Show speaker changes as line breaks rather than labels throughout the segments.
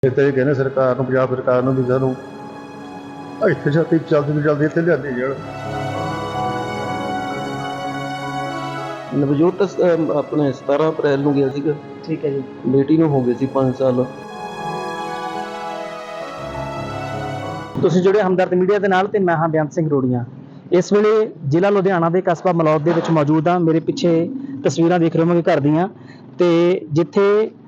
ਇਹ ਤਾਂ ਇਹ ਕਹਿੰਦੇ ਸਰਕਾਰ ਨੂੰ, ਪੰਜਾਬ ਸਰਕਾਰ ਨੂੰ ਵੀ ਸਾਨੂੰ ਇੱਥੇ ਛਾਤੀ ਜਲਦੀ ਤੋਂ ਜਲਦੀ ਇੱਥੇ ਲਿਆਂਦੀ ਜਾਣ।
ਨਵਜੋਤ ਤਾਂ ਆਪਣੇ 17 ਅਪ੍ਰੈਲ ਨੂੰ ਗਿਆ ਸੀਗਾ।
ਠੀਕ ਹੈ ਜੀ।
ਬੇਟੀ ਨੂੰ ਹੋ ਗਏ ਸੀ 5 ਸਾਲ।
ਤੁਸੀਂ ਜੁੜੇ ਹਮਦਰਦ ਮੀਡੀਆ ਦੇ ਨਾਲ ਤੇ ਮੈਂ ਹਾਂ ਬੇਅੰਤ ਸਿੰਘ ਰੋੜੀਆਂ। ਇਸ ਵੇਲੇ ਜ਼ਿਲ੍ਹਾ ਲੁਧਿਆਣਾ ਦੇ ਕਸਬਾ ਮਲੌਦ ਦੇ ਵਿੱਚ ਮੌਜੂਦ ਹਾਂ। ਮੇਰੇ ਪਿੱਛੇ ਤਸਵੀਰਾਂ ਦੇਖ ਰਹੇ ਹੋਵੋਗੇ ਘਰ ਦੀਆਂ, ਤੇ ਜਿੱਥੇ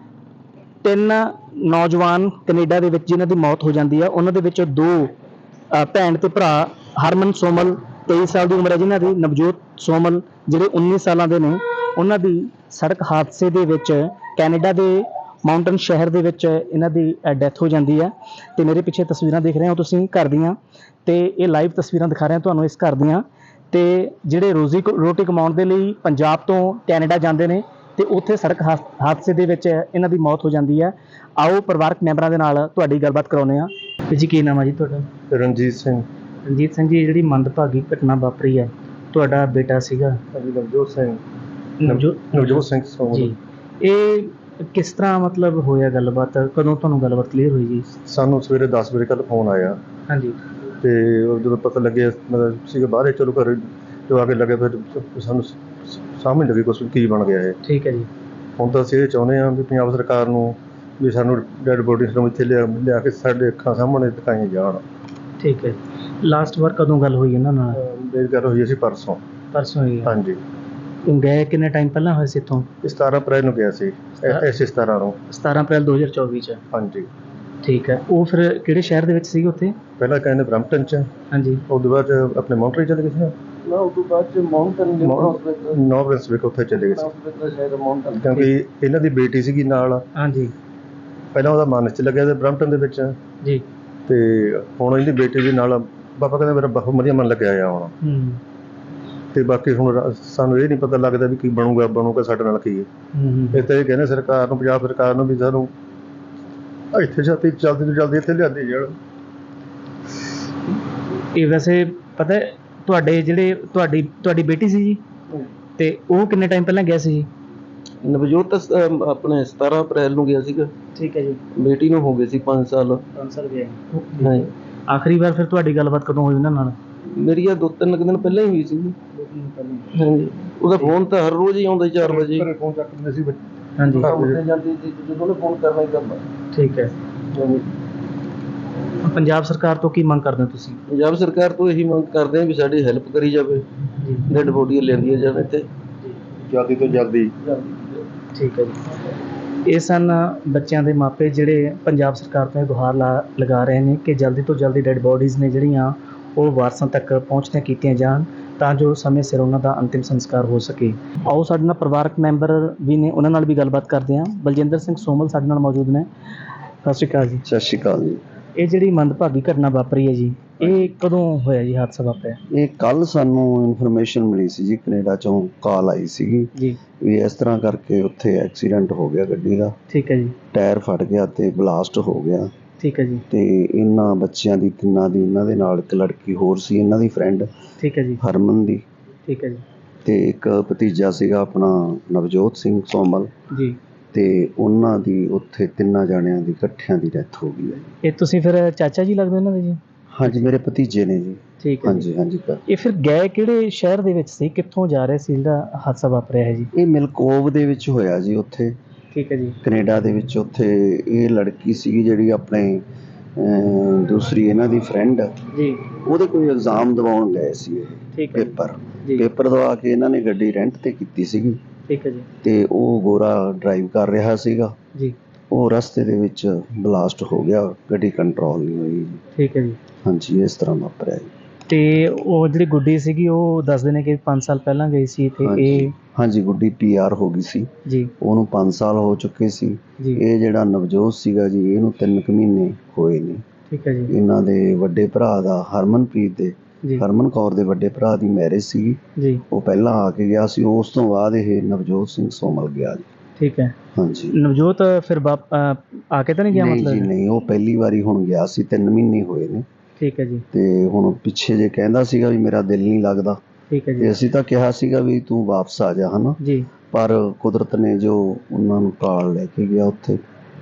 3 ਨੌਜਵਾਨ ਕੈਨੇਡਾ ਦੇ ਵਿੱਚ ਜਿਨ੍ਹਾਂ ਦੀ ਮੌਤ ਹੋ ਜਾਂਦੀ ਆ, ਉਹਨਾਂ ਦੇ ਵਿੱਚੋਂ 2 ਭੈਣ ਤੇ ਭਰਾ। ਹਰਮਨ ਸੋਮਲ 23 ਸਾਲ ਦੀ ਉਮਰ ਹੈ ਜਿਨ੍ਹਾਂ ਦੀ, ਨਵਜੋਤ ਸੋਮਲ ਜਿਹੜੇ 19 ਸਾਲਾਂ ਦੇ ਨੇ, ਉਹਨਾਂ ਦੀ ਸੜਕ ਹਾਦਸੇ ਦੇ ਵਿੱਚ ਕੈਨੇਡਾ ਦੇ ਮਾਊਂਟਨ ਸ਼ਹਿਰ ਦੇ ਵਿੱਚ ਇਹਨਾਂ ਦੀ ਡੈਥ ਹੋ ਜਾਂਦੀ ਹੈ। ਤੇ ਮੇਰੇ ਪਿੱਛੇ ਤਸਵੀਰਾਂ ਦੇਖ ਰਹੇ ਹੋ ਤੁਸੀਂ ਘਰ ਦੀਆਂ, ਤੇ ਇਹ ਲਾਈਵ ਤਸਵੀਰਾਂ ਦਿਖਾ ਰਹੇ ਹਾਂ ਤੁਹਾਨੂੰ ਇਸ ਘਰ ਦੀਆਂ। ਤੇ ਜਿਹੜੇ ਰੋਟੀ ਕਮਾਉਣ ਦੇ ਲਈ ਪੰਜਾਬ ਤੋਂ ਕੈਨੇਡਾ ਜਾਂਦੇ ਨੇ ਤੇ ਉੱਥੇ ਸੜਕ ਹਾਦਸੇ ਦੇ ਵਿੱਚ ਇਹਨਾਂ ਦੀ ਮੌਤ ਹੋ ਜਾਂਦੀ ਹੈ। ਆਓ ਪਰਿਵਾਰਕ ਮੈਂਬਰਾਂ ਦੇ ਨਾਲ ਤੁਹਾਡੀ ਗੱਲਬਾਤ ਕਰਾਉਂਦੇ ਹਾਂ। ਜੀ ਕੀ ਨਾਮ ਹੈ ਜੀ ਤੁਹਾਡਾ?
ਰਣਜੀਤ ਸਿੰਘ।
ਰਣਜੀਤ ਸਿੰਘ ਜੀ, ਜਿਹੜੀ ਮੰਦਭਾਗੀ ਘਟਨਾ ਵਾਪਰੀ ਹੈ, ਤੁਹਾਡਾ ਬੇਟਾ ਸੀਗਾ
ਨਵਜੋਤ ਸਿੰਘ।
ਨਵਜੋਤ
ਸਿੰਘ ਸੋਮਲ
ਜੀ, ਇਹ ਕਿਸ ਤਰ੍ਹਾਂ ਮਤਲਬ ਹੋਇਆ ਗੱਲਬਾਤ? ਕਦੋਂ ਤੁਹਾਨੂੰ ਗੱਲਬਾਤ ਕਲੀਅਰ ਹੋਈ ਜੀ?
ਸਾਨੂੰ ਸਵੇਰੇ 10 ਵਜੇ ਕੱਲ ਫੋਨ ਆਇਆ,
ਹਾਂਜੀ।
ਤੇ ਜਦੋਂ ਪਤਾ ਲੱਗਿਆ ਮਤਲਬ ਸੀਗਾ ਬਾਹਰ, ਚਲੋ ਘਰ ਜੋ ਆ ਕੇ ਲੱਗੇ ਫਿਰ ਸਾਨੂੰ ਸਾਹਮਣੇ ਲੱਗੀ ਕੁਛ ਕੀ ਬਣ ਗਿਆ ਇਹ।
ਠੀਕ ਹੈ ਜੀ।
ਹੁਣ ਤਾਂ ਅਸੀਂ ਇਹ ਚਾਹੁੰਦੇ ਹਾਂ ਵੀ ਪੰਜਾਬ ਸਰਕਾਰ ਨੂੰ ਵੀ ਸਾਨੂੰ ਡੈਡ ਬੋਡੀਜ਼ ਨੂੰ ਇੱਥੇ ਲਿਆ ਕੇ ਸਾਡੇ ਅੱਖਾਂ ਸਾਹਮਣੇ ਦਿਖਾਈਆਂ ਜਾਣ।
ਠੀਕ ਹੈ। ਲਾਸਟ ਵਾਰ ਕਦੋਂ ਗੱਲ ਹੋਈ ਇਹਨਾਂ ਨਾਲ?
ਮੇਰੀ ਗੱਲ ਹੋਈ ਸੀ ਪਰਸੋਂ
ਹੋਈ ਹੈ।
ਹਾਂਜੀ।
ਗਏ ਕਿੰਨੇ ਟਾਈਮ ਪਹਿਲਾਂ ਹੋਏ ਸੀ ਇੱਥੋਂ?
17 ਅਪ੍ਰੈਲ ਨੂੰ ਗਿਆ ਸੀ, ਐਸੇ 17 ਨੂੰ।
17 ਅਪ੍ਰੈਲ 2024 ਚ?
ਹਾਂਜੀ।
ਠੀਕ ਹੈ। ਉਹ ਫਿਰ ਕਿਹੜੇ ਸ਼ਹਿਰ ਦੇ ਵਿੱਚ ਸੀ ਉੱਥੇ?
ਪਹਿਲਾਂ ਕਹਿੰਦੇ ਬਰੈਂਪਟਨ ਚ।
ਹਾਂਜੀ।
ਉਸ ਤੋਂ ਬਾਅਦ ਆਪਣੇ ਮਾਉਂਟਰੀ ਚਲੇ ਗਏ ਸੀ
ਨਾ, ਉਸ ਤੋਂ ਬਾਅਦ ਮਾਊਂਟਨ
ਨੌ ਬ੍ਰਿੰਸਵਿਕ ਉੱਥੇ ਚਲੇ ਗਏ ਸੀ, ਕਿਉਂਕਿ ਇਹਨਾਂ ਦੀ ਬੇਟੀ ਸੀਗੀ ਨਾਲ।
ਹਾਂਜੀ।
ਪਹਿਲਾਂ ਉਹਦਾ ਮਨ ਚ ਲੱਗਿਆ ਤੇ ਬਰੈਂਪਟਨ ਦੇ ਵਿੱਚ
ਜੀ।
ਤੇ ਹੁਣ ਇਹਦੀ ਬੇਟੀ ਦੇ ਨਾਲ ਪਾਪਾ ਕਹਿੰਦੇ ਮੇਰਾ ਬਹੁਤ ਵਧੀਆ ਮਨ ਲੱਗਿਆ ਆ ਹੁਣ। ਤੇ ਬਾਕੀ ਹੁਣ ਸਾਨੂੰ ਇਹ ਨਹੀਂ ਪਤਾ ਲੱਗਦਾ ਵੀ ਕੀ ਬਣੂਗਾ ਸਾਡੇ ਨਾਲ ਕੀ ਹੈ। ਇਹ ਤਾਂ ਇਹ ਕਹਿੰਦੇ ਸਰਕਾਰ ਨੂੰ, ਪੰਜਾਬ ਸਰਕਾਰ ਨੂੰ ਵੀ ਸਾਨੂੰ ਇੱਥੇ ਛਾਤੀ ਜਲਦੀ ਤੋਂ ਜਲਦੀ ਇੱਥੇ ਲਿਆਂਦੀ ਜਾਣ।
ਇਹ ਵੈਸੇ ਪਤਾ ਤੁਹਾਡੇ ਜਿਹੜੇ ਤੁਹਾਡੀ ਬੇਟੀ ਸੀ ਜੀ, ਤੇ ਉਹ ਕਿੰਨੇ ਟਾਈਮ ਪਹਿਲਾਂ ਗਿਆ ਸੀ ਜੀ?
ਨਵਜੋਤ ਤਾਂ ਆਪਣੇ 17 ਅਪ੍ਰੈਲ ਨੂੰ ਗਿਆ ਸੀਗਾ।
ਠੀਕ ਹੈ ਜੀ।
ਬੇਟੀ ਨੂੰ ਹੋ ਗਏ ਸੀ 5 ਸਾਲ।
5 ਸਾਲ ਗਿਆ।
ਹਾਂ।
ਆਖਰੀ ਵਾਰ ਫਿਰ ਤੁਹਾਡੀ ਗੱਲਬਾਤ ਕਦੋਂ ਹੋਈ ਉਹਨਾਂ ਨਾਲ?
ਮੇਰੀ ਆ 2-3 ਦਿਨ ਪਹਿਲਾਂ ਹੀ ਹੋਈ ਸੀ। ਹਾਂਜੀ। ਉਹਦਾ ਫੋਨ ਤਾਂ ਹਰ ਰੋਜ਼ ਹੀ ਆਉਂਦਾ 4 ਵਜੇ।
ਘਰੇ ਫੋਨ ਚੱਕ ਦਿੰਦੇ ਸੀ।
ਹਾਂਜੀ।
ਜਾਂਦੀ ਸੀ ਜਦੋਂ ਉਹਨੇ ਫੋਨ ਕਰਨਾ ਹੀ ਕਰਨਾ।
ਠੀਕ ਹੈ। ਪੰਜਾਬ ਸਰਕਾਰ ਤੋਂ ਕੀ ਮੰਗ ਕਰਦੇ ਹੋ ਤੁਸੀਂ? ਪੰਜਾਬ
ਸਰਕਾਰ ਤੋਂ ਇਹੀ ਮੰਗ ਕਰਦੇ ਹਾਂ ਵੀ ਸਾਡੀ ਹੈਲਪ ਕਰੀ ਜਾਵੇ, ਡੈਡ ਬੋਡੀਆਂ ਲੈਂਦੀਆਂ ਜਾਣ ਇੱਥੇ
ਜਲਦੀ ਤੋਂ ਜਲਦੀ।
ਠੀਕ ਹੈ ਜੀ। ਇਹ ਸਨ ਬੱਚਿਆਂ ਦੇ ਮਾਪੇ ਜਿਹੜੇ ਪੰਜਾਬ ਸਰਕਾਰ ਤੋਂ ਗੁਹਾਰ ਲਗਾ ਰਹੇ ਨੇ ਕਿ ਜਲਦੀ ਤੋਂ ਜਲਦੀ ਡੈਡ ਬੋਡੀਜ਼ ਨੇ ਜਿਹੜੀਆਂ ਉਹ ਵਾਰਸਾਂ ਤੱਕ ਪਹੁੰਚਦੀਆਂ ਕੀਤੀਆਂ ਜਾਣ, ਤਾਂ ਜੋ ਸਮੇਂ ਸਿਰ ਉਹਨਾਂ ਦਾ ਅੰਤਿਮ ਸੰਸਕਾਰ ਹੋ ਸਕੇ। ਆਓ ਸਾਡੇ ਨਾਲ ਪਰਿਵਾਰਕ ਮੈਂਬਰ ਵੀ ਨੇ, ਉਹਨਾਂ ਨਾਲ ਵੀ ਗੱਲਬਾਤ ਕਰਦੇ ਹਾਂ। ਬਲਜਿੰਦਰ ਸਿੰਘ ਸੋਮਲ ਸਾਡੇ ਨਾਲ ਮੌਜੂਦ ਨੇ। ਸਤਿ ਸ਼੍ਰੀ ਅਕਾਲ ਜੀ।
ਸਤਿ ਸ਼੍ਰੀ ਅਕਾਲ ਜੀ।
ਇਹ ਜਿਹੜੀ ਮੰਦਭਾਗੀ ਘਟਨਾ ਵਾਪਰੀ ਹੈ ਜੀ, ਇਹ ਕਦੋਂ ਹੋਇਆ ਜੀ ਹਾਦਸਾ ਵਾਪਰਿਆ?
ਇਹ ਕੱਲ ਸਾਨੂੰ ਇਨਫੋਰਮੇਸ਼ਨ ਮਿਲੀ ਸੀ ਜੀ, ਕੈਨੇਡਾ ਚੋਂ ਕਾਲ ਆਈ ਸੀਗੀ
ਜੀ
ਵੀ ਇਸ ਤਰ੍ਹਾਂ ਕਰਕੇ ਉੱਥੇ ਐਕਸੀਡੈਂਟ ਹੋ ਗਿਆ ਗੱਡੀ ਦਾ।
ਠੀਕ ਹੈ ਜੀ।
ਟਾਇਰ ਫਟ ਗਿਆ ਤੇ ਬਲਾਸਟ ਹੋ ਗਿਆ।
ਠੀਕ ਹੈ ਜੀ।
ਤੇ ਇਹਨਾਂ ਬੱਚਿਆਂ ਦੀ, ਤਿੰਨਾਂ ਦੀ, ਇਹਨਾਂ ਦੇ ਨਾਲ ਇੱਕ ਲੜਕੀ ਹੋਰ ਸੀ, ਇਹਨਾਂ ਦੀ ਫਰੈਂਡ।
ਠੀਕ ਹੈ ਜੀ।
ਹਰਮਨ ਦੀ।
ਠੀਕ ਹੈ ਜੀ।
ਤੇ ਇੱਕ ਭਤੀਜਾ ਸੀਗਾ ਆਪਣਾ ਨਵਜੋਤ ਸਿੰਘ ਸੋਮਲ
ਜੀ।
ਤੇ ਉਹਨਾਂ ਦੀ ਉੱਥੇ 3 ਜਾਣਿਆਂ ਦੀ ਇਕੱਠਿਆਂ ਦੀ ਡੈਥ ਹੋ ਗਈ ਹੈ ਜੀ।
ਇਹ ਤੁਸੀਂ ਫਿਰ ਚਾਚਾ ਜੀ ਲੱਗਦੇ ਇਹਨਾਂ ਦੇ ਜੀ?
ਹਾਂਜੀ, ਮੇਰੇ ਭਤੀਜੇ ਨੇ ਜੀ।
ਠੀਕ ਹੈ।
ਹਾਂਜੀ ਹਾਂਜੀ।
ਇਹ ਫਿਰ ਗਏ ਕਿਹੜੇ ਸ਼ਹਿਰ ਦੇ ਵਿੱਚ ਸੀ, ਕਿੱਥੋਂ ਜਾ ਰਹੇ ਸੀ ਜਿਹੜਾ ਹਾਦਸਾ ਵਾਪਰਿਆ ਹੈ ਜੀ?
ਇਹ ਮਿਲਕੋਵ ਦੇ ਵਿੱਚ ਹੋਇਆ ਜੀ, ਉੱਥੇ।
ਠੀਕ ਹੈ ਜੀ।
ਕੈਨੇਡਾ ਦੇ ਵਿੱਚ। ਉੱਥੇ ਇਹ ਲੜਕੀ ਸੀਗੀ ਜਿਹੜੀ ਆਪਣੇ ਦੂਸਰੀ ਇਹਨਾਂ ਦੀ ਫਰੈਂਡ
ਜੀ,
ਉਹਦੇ ਕੋਈ ਐਗਜ਼ਾਮ ਦਿਵਾਉਣ ਗਏ ਸੀ ਇਹ।
ਠੀਕ ਹੈ
ਪੇਪਰ ਦਵਾ ਕੇ ਇਹਨਾਂ ਨੇ ਗੱਡੀ ਰੈਂਟ ਤੇ ਕੀਤੀ ਸੀਗੀ।
ਠੀਕ ਹੈ ਜੀ।
ਤੇ ਉਹ ਗੋਰਾ ਡਰਾਈਵ ਕਰ ਰਿਹਾ ਸੀਗਾ
ਜੀ।
ਉਹ ਰਸਤੇ ਦੇ ਵਿੱਚ ਬਲਾਸਟ ਹੋ ਗਿਆ, ਗੱਡੀ ਕੰਟਰੋਲ ਨਹੀਂ ਹੋਈ।
ਠੀਕ ਹੈ ਜੀ।
ਹਾਂਜੀ, ਇਸ ਤਰ੍ਹਾਂ ਵਾਪਰਿਆ ਜੀ।
ਤੇ ਉਹ ਜਿਹੜੀ ਗੁੱਡੀ ਸੀਗੀ ਉਹ ਦੱਸਦੇ ਨੇ ਕਿ 5 ਸਾਲ ਪਹਿਲਾਂ ਗਈ ਸੀ ਤੇ ਇਹ?
ਹਾਂਜੀ, ਗੁੱਡੀ PR ਹੋ ਗਈ ਸੀ
ਜੀ।
ਉਹਨੂੰ 5 ਸਾਲ ਹੋ ਚੁੱਕੇ ਸੀ
ਜੀ।
ਇਹ ਜਿਹੜਾ ਨਵਜੋਤ ਸੀਗਾ ਜੀ, ਇਹਨੂੰ 3 ਮਹੀਨੇ ਹੋਏ ਨੇ।
ਠੀਕ ਹੈ ਜੀ।
ਇਹਨਾਂ ਦੇ ਵੱਡੇ ਭਰਾ ਦਾ, ਹਰਮਨਪ੍ਰੀਤ ਦੇ, ਹਰਮਨ ਕੌਰ ਦੇ ਵੱਡੇ ਭਰਾ ਦੀ ਮੈਰਿਜ ਸੀ
ਜੀ।
ਉਹ ਪਹਿਲਾਂ ਆ ਕੇ ਗਿਆ ਸੀ, ਉਸ ਤੋਂ ਬਾਅਦ ਇਹ ਨਵਜੋਤ ਸਿੰਘ ਸੋਮਲ ਗਿਆ ਜੀ।
ਠੀਕ ਹੈ।
ਹਾਂਜੀ।
ਨਵਜੋਤ ਫਿਰ ਆ ਕੇ ਤਾਂ ਨਹੀਂ ਗਿਆ?
ਨਹੀਂ ਜੀ ਨਹੀਂ, ਉਹ ਪਹਿਲੀ ਵਾਰੀ ਹੁਣ ਗਿਆ ਸੀ, 3 ਮਹੀਨੇ ਹੋਏ ਨੇ।
ਠੀਕ ਹੈ ਜੀ।
ਤੇ ਹੁਣ ਪਿੱਛੇ ਜੇ ਕਹਿੰਦਾ ਸੀਗਾ ਵੀ ਮੇਰਾ ਦਿਲ ਨਹੀਂ ਲੱਗਦਾ।
ਠੀਕ ਹੈ ਜੀ।
ਤੇ ਅਸੀਂ ਤਾਂ ਕਿਹਾ ਸੀਗਾ ਵੀ ਤੂੰ ਵਾਪਸ ਆ ਜਾ, ਹਨਾ।
ਜੀ।
ਪਰ ਕੁਦਰਤ ਨੇ ਜੋ ਉਹਨਾਂ ਨੂੰ ਕਾਲ ਲੈ ਕੇ ਗਿਆ ਉੱਥੇ,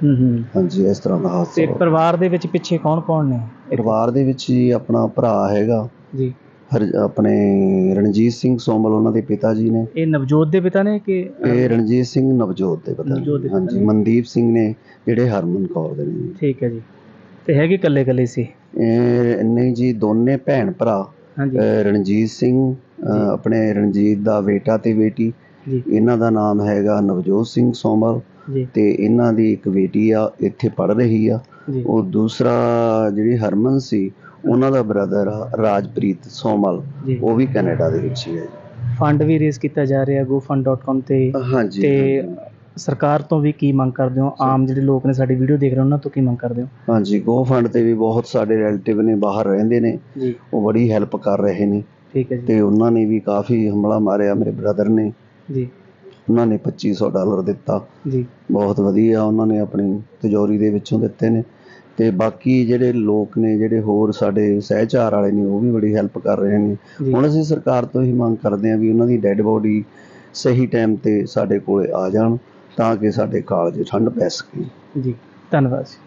ਹਾਂਜੀ, ਇਸ ਤਰ੍ਹਾਂ ਦਾ ਹਾਦਸਾ
ਤੇ
ਹੋਇਆ।
ਪਰਿਵਾਰ ਦੇ ਵਿੱਚ ਪਿੱਛੇ ਕੌਣ ਨੇ?
ਪਰਿਵਾਰ ਦੇ ਵਿੱਚ ਜੀ ਆਪਣਾ ਭਰਾ ਹੈਗਾ
ਜੀ,
ਆਪਣੇ ਰਣਜੀਤ ਸਿੰਘ ਸੋਮਲ, ਉਹਨਾਂ ਦੇ ਪਿਤਾ ਜੀ ਨੇ।
ਇਹ ਨਵਜੋਤ ਦੇ ਪਿਤਾ ਨੇ ਕਿ
ਇਹ ਰਣਜੀਤ ਸਿੰਘ ਨਵਜੋਤ ਦੇ ਪਤਾ
ਨਵਜੋਤ ਦੇ ਪਿਤਾ
ਹਾਂਜੀ,
ਨੇ।
ਮਨਦੀਪ ਸਿੰਘ ਨੇ ਜਿਹੜੇ ਹਰਮਨ ਕੌਰ ਦੇ ਨੇ।
ਠੀਕ ਹੈ ਜੀ। ਤੇ ਹੈਗੇ ਇਕੱਲੇ ਸੀ?
ਇਹ ਨਹੀਂ ਜੀ, ਦੋਨੇ ਭੈਣ ਭਰਾ।
ਹਾਂਜੀ
ਰਣਜੀਤ ਸਿੰਘ ਆਪਣੇ ਰਣਜੀਤ ਦਾ ਬੇਟਾ ਤੇ ਬੇਟੀ,
ਜੀ
ਇਹਨਾਂ ਦਾ ਨਾਮ ਹੈਗਾ ਨਵਜੋਤ ਸਿੰਘ ਸੋਮਲ,
ਜੀ
ਤੇ ਇਹਨਾਂ ਦੀ ਇੱਕ ਬੇਟੀ ਆ, ਇੱਥੇ ਪੜ੍ਹ ਰਹੀ ਆ।
ਜੀ
ਉਹ ਦੂਸਰਾ ਜਿਹੜੀ ਹਰਮਨ ਸੀ, ਉਹਨਾਂ ਦਾ ਬ੍ਰਦਰ ਆ ਰਾਜਪ੍ਰੀਤ ਸੋਮਲ,
ਜੀ।
ਉਹ ਵੀ ਕੈਨੇਡਾ ਦੇ ਵਿੱਚ ਹੀ ਹੈ।
ਫੰਡ ਵੀ ਰੇਜ਼ ਕੀਤਾ ਜਾ ਰਿਹਾ gofund.com ਤੇ।
ਹਾਂਜੀ
ਤੇ ਸਰਕਾਰ ਤੋਂ ਵੀ ਕੀ ਮੰਗ ਕਰਦੇ ਹੋ? ਆਮ ਜਿਹੜੇ ਲੋਕ ਨੇ ਸਾਡੀ ਵੀਡੀਓ ਦੇਖ ਰਹੇ ਉਹਨਾਂ ਤੋਂ ਕੀ ਮੰਗ ਕਰਦੇ ਹੋ?
ਹਾਂਜੀ, ਗੋ ਫੰਡ ਤੇ ਵੀ ਬਹੁਤ ਸਾਡੇ ਰਿਲੇਟਿਵ ਨੇ, ਬਾਹਰ ਰਹਿੰਦੇ ਨੇ,
ਜੀ
ਉਹ ਬੜੀ ਹੈਲਪ ਕਰ ਰਹੇ ਨੇ।
ਠੀਕ ਹੈ ਜੀ।
ਤੇ ਉਹਨਾਂ ਨੇ ਵੀ ਕਾਫੀ ਹਮਲਾ ਮਾਰਿਆ, ਮੇਰੇ ਬ੍ਰਦਰ ਨੇ,
ਜੀ
ਉਹਨਾਂ ਨੇ $2500 ਦਿੱਤਾ।
ਜੀ
ਬਹੁਤ ਵਧੀਆ, ਉਹਨਾਂ ਨੇ ਆਪਣੀ ਤਿਜੋਰੀ ਦੇ ਵਿੱਚੋਂ ਦਿੱਤੇ ਨੇ। ਤੇ ਬਾਕੀ ਜਿਹੜੇ ਲੋਕ ਨੇ, ਜਿਹੜੇ ਹੋਰ ਸਾਡੇ ਸਹਿਚਾਰ ਵਾਲੇ ਨੇ, ਉਹ ਵੀ ਬੜੀ ਹੈਲਪ ਕਰ ਰਹੇ ਨੇ।
ਜੀ।
ਹੁਣ ਅਸੀਂ ਸਰਕਾਰ ਤੋਂ ਹੀ ਮੰਗ ਕਰਦੇ ਹਾਂ ਵੀ ਉਹਨਾਂ ਦੀ ਡੈੱਡ ਬੋਡੀ ਸਹੀ ਟਾਈਮ ਤੇ ਸਾਡੇ ਕੋਲੇ ਆ ਜਾਣ, ਤਾਂ ਕਿ ਸਾਡੇ ਕਾਲਜ ਠੰਡ ਪੈ ਸਕੇ।
ਜੀ ਧੰਨਵਾਦ ਜੀ।